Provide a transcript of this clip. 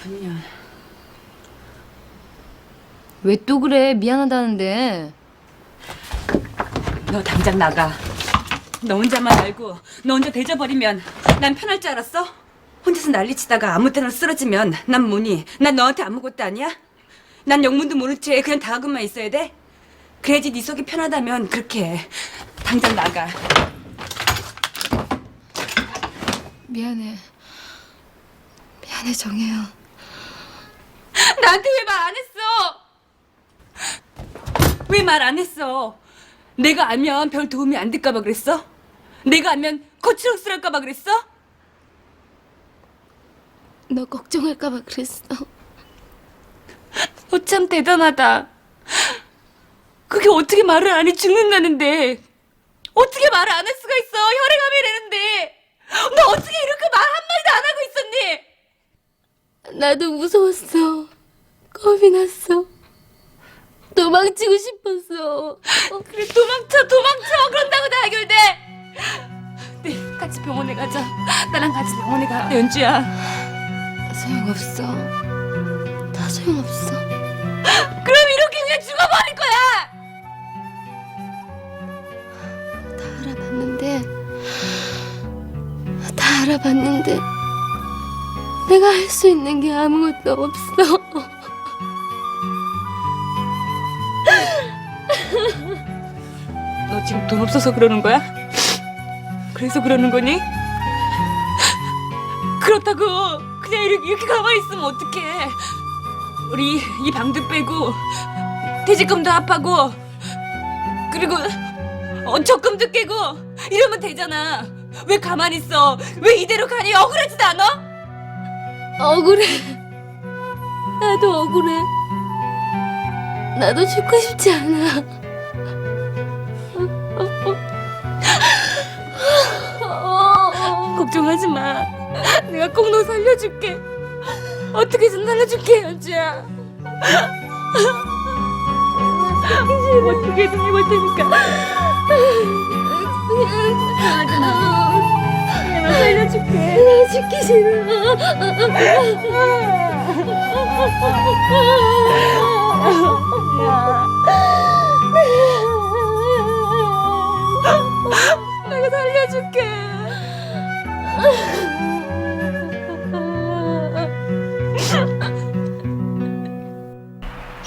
3년. 왜 또 그래? 미안하다는데. 너 당장 나가. 너 혼자만 알고 너 혼자 대져버리면 난 편할 줄 알았어? 혼자서 난리치다가 아무 때나 쓰러지면 난 뭐니? 난 너한테 아무것도 아니야? 난 영문도 모른 채 그냥 당하고만 있어야 돼? 그래야지 네 속이 편하다면 그렇게 해. 당장 나가. 미안해. 미안해, 정혜야. 나한테 왜 말 안 했어? 왜 말 안 했어? 내가 알면 별 도움이 안 될까봐 그랬어? 내가 알면 거칠억스랄까봐 그랬어? 너 걱정할까봐 그랬어. 너 참 대단하다. 그게 어떻게 말을 안 해 죽는다는데 어떻게 말을 안 할 수가 있어? 혈액암이라는데 너 어떻게 이렇게 말 한마디도 안 하고 있었니? 나도 무서웠어. 겁이 났어. 도망치고 싶었어. 그래 도망쳐 그런다고 다 해결돼. 네 같이 병원에 가자. 나랑 같이 병원에 가. 연주야. 소용없어. 다 소용없어. 그럼 이렇게 그냥 죽어버릴 거야. 다 알아봤는데 내가 할 수 있는 게 아무것도 없어. 너 지금 돈 없어서 그러는 거야? 그래서 그러는 거니? 그렇다고 그냥 이렇게 가만히 있으면 어떡해. 우리 이 방도 빼고 퇴직금도 합하고 그리고 적금도 깨고 이러면 되잖아. 왜 가만히 있어? 왜 이대로 가니? 억울하지도 않아? 억울해. 나도 억울해. 나도 죽고 싶지 않아. 걱정하지 마. 내가 꼭 너 살려줄게. 어떻게든 살려줄게, 연주야. 어떻게든 해볼 테니까. 내가 살려줄게. 나 죽기 싫어. 야.